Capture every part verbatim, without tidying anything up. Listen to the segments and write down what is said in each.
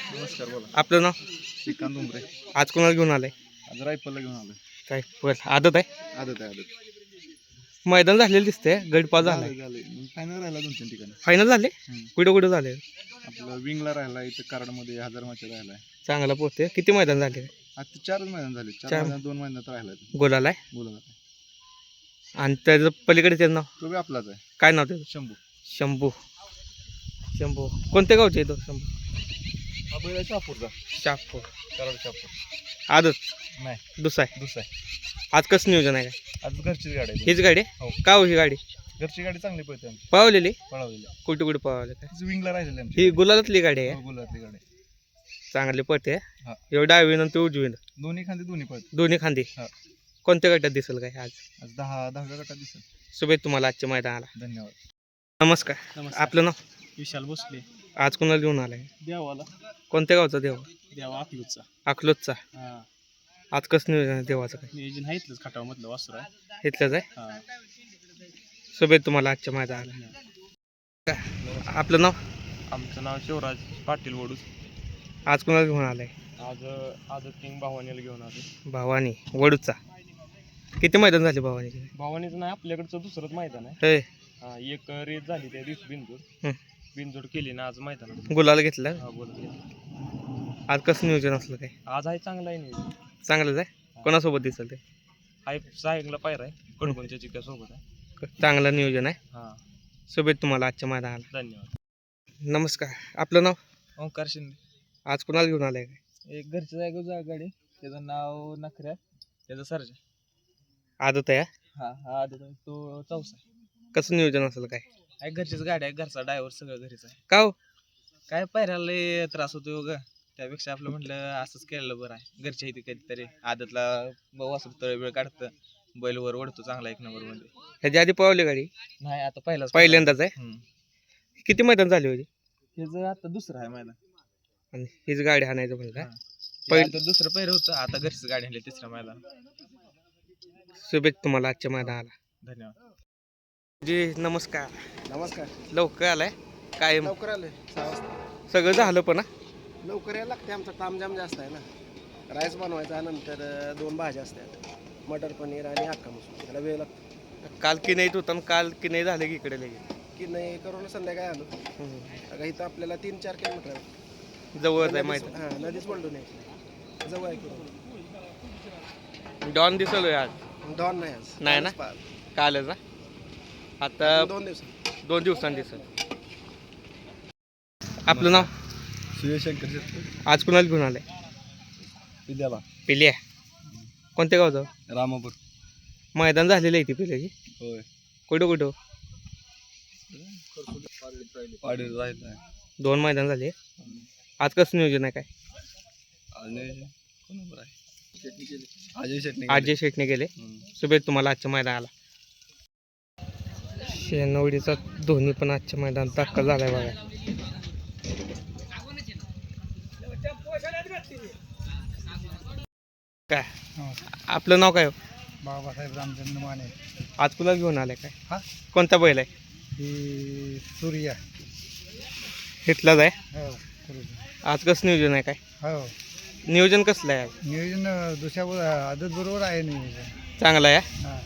नमस्कार बोला. आपलं नाव? श्रीकांत उमरे. आज कोणाला घेऊन आलाय? आज रायफलला घेऊन आलोय. काय बरं आदत आहे? आदत आहे आदत. मैदान झालेलं दिसतंय, गटपास झाला. झालं झालं. फायनल राहिला दोन तीन ठिकाणी. फायनल झाले? हम्म. कुठं कुठं झाले? आपलं विंगला राहिला, इथं कराडमध्ये हजारमाच्या राहिलाय. चांगला पोहते. किती मैदान झाले? आता चारच मैदान झाले. चार चार. मैदान दोन महिन्यात राहिला गोलाला आहे. बोला. आणि त्याचं पलीकडे त्याचं नाव तो बी आपलाच आहे. काय नाव त्याचं? शंभू. शंभू. शंभू कोणत्या गावचे येतो शंभू? हा बैल आहे शहापूरचा. शापूर. कराड शहापूर. आदत नाही दुसरा आहे. दुसरा आहे. आज कसं नियोजन आहे काय? आज घरचीच गाडी आहे. हीच गाडी हो. आहे? का हो ही गाडी? घरची गाडी चांगली पळते आमची. पळवलेली? पळवलेली. कुठे कुठे पळवले काय? तिचं विंगला राहिलेली आमची. ही गुलालातली गाडी आहे. हो, गुलाबातली गाडी. चांगली पळते. हा. एवढं डावीन आणि ते उजवीन दोन्ही खांदे दोन्ही पळते. दोन्ही खांदी. हा. कोणत्या गटात दिसेल काय आज? आज दहा दहाव्या गटात दिसेल. शुभेच्छा तुम्हाला आजच्या मैदानाला. धन्यवाद. नमस्कार. नमस्कार. आपलं नाव? विशाल भोसले. आज कोणाला घेऊन आलाय? देवाला. कोणत्या गावचा देव? देवा अकलूजचा. अकलूजचा. हा. आज कसं नियोजन आहे देवाचं काय? नियोजन आहे इथलंच खटावमधलं वासुर आहे. इथलंच आहे. हा. शुभेच्छा तुम्हाला आजच्या मैदानाला. आपलं नाव? आमचं नाव शिवराज पाटील वडूस. आज कोणाला घेऊन आलाय? आज आज किंग भावानीला घेऊन आलो. भावानी वडूचा. किती मैदान झाले भावानीचे? भावानीचं नाही आपल्याकडचं दुसरंच मैदान आहे. होय. हा, एक रेस झाली त्या दिवशी बिनजोड. हं. बिनजोड केली ना आज मैदानात. गुलाल घेतला. हा बोला. आज कसं नियोजन असलं काय? आज आहे चांगला आहे नियोजन. चांगलंच आहे. कोणासोबत दिसेल ते? आहे सायंगला पायरा आहे. कडकोणच्या चिक्या सोबत आहे. चांगलं नियोजन आहे. हा. शुभेच्छा तुम्हाला आजच्या मैदानाला. धन्यवाद. नमस्कार. आपलं नाव? ओंकार शिंदे. आज कोणाला घेऊन आलाय काय? एक घरच्या जागा गाडी. त्याचं नाव नखऱ्या. त्याचं सर्जा. आदत आहे. हा हा आधी तो चौसा आहे. कसं नियोजन असेल काय? आहे घरचीच गाडी आहे. घरचा ड्रायव्हर सगळं घरीच आहे. का हो? काय पायऱ्याला लय त्रास होतो ग. त्यापेक्षा आपलं म्हटलं असंच केलेलं बरं आहे. घरच्या इथे कधीतरी आदतला वासरू तळ वेळ काढतं. बैलवर ओढतो चांगला एक नंबर मध्ये. ह्याच्या आधी पळवली गाडी? नाही आता पहिलाच पहिल्यांदाच आहे. किती मैदान झाली होती? त्याचं आता दुसरं आहे मैदान. आणि हीच गाडी हाणायचं म्हणजे काय? पहिलं तर दुसरं पहिलं होतं. आता घरचीच गाडी आणली तिसरं मैदान. शुभेच्छा तुम्हाला आजच्या मैदानाला. धन्यवाद. जी नमस्कार. नमस्कार. लवकर आलाय काय? लवकर आले सहा वाजता. सगळं झालं पण हा? लवकर यायला लागते. आमचा तामजाम जास्त आहे ना. राईस बनवायचा नंतर दोन भाज्या असतात. मटर पनीर आणि हक्का मसूर. त्याला वेळ लागतो. काल की नाही होता काल की नाही झालं की इकडे लगेच की नाही करून संध्याकाळी आलो. अगं इथं आपल्याला तीन चार किलोमीटर आहे. जवळच आहे माहिती. हां नदीच बोललो नाही जवळ आहे की. डॉन दिसलोय आज. डॉन नाही आज. नाही ना? कालच कालच ना? आता पाहिलं. दोन दिवस दोन दिवसांनी दिसल. आपलं नाव? सूर्यशंकर आज कुणाला घेऊन आलाय? विद्याला. पिल्या. कोणत्या गावचं? रामापूर. मैदान झालेलं आहे ती पिल्याची. होय. कुठं कुठं? पाडी राहिला आहे. दोन मैदान झाले. आज कसं नियोजन आहे काय? अजय शेट्टी. अजय शेटने गेले. शुभेच्छा तुम्हाला आजच्या मैदानाला. शेनवडीचा धोनी पण आजच्या मैदानात दाखल झालाय बघा. काय आपलं नाव काय? बाबासाहेब रामचंद्र माने. आज कुणाला घेऊन आलाय काय? हा? कोणता बैल आहे? ही सूर्या. इथलाच आहे. हो आज कसं नियोजन आहे काय? हो नियोजन कसलं आहे आज? नियोजन दुसऱ्या आदत बरोबर आहे नियोजन. चांगलं आहे. हां.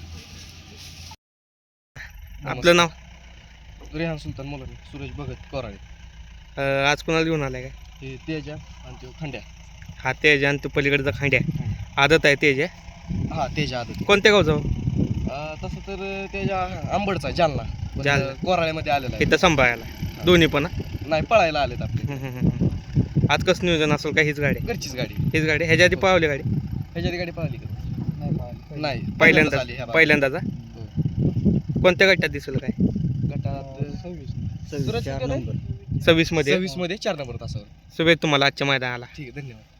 आपलं नाव? रेहान सुलतान मुलानी. सुरेश भगत कोराळे. अं, आज कुणाला घेऊन आलाय काय? हे तेजा आणि तो खंड्या. हा तेज आणि तो पलीकडचा खांड्या. आदत आहे तेज आहे. हा तेजा आदत. कोणत्या गावचा? तसं तर तेजा आंबडचा जालना. पण जालना. कोराळ्यामध्ये आलेला आहे. इथं सांभाळायला दोन्ही पण हा? नाही पळायला आलेत आपले. हम्म, हम्म, हम्म. आज कसं नियोजन असेल का? हीच गाडी? घरचीच गाडी. हीच गाडी. ह्याच्या आधी पावली गाडी? ह्याच्यात गाडी पाहिली का? नाही पाहिलं. नाही पहिल्यांदा आली ह्या भागात. पहिल्यांदाचा. हो. कोणत्या गटात दिसेल काय? गटात सव्वीस. सुरज किती आलाय? सव्वीस मध्ये. सव्वीस मध्ये चार नंबर तासावर. शुभेच्छा तुम्हाला आजच्या मैदानाला. ठीक आहे धन्यवाद.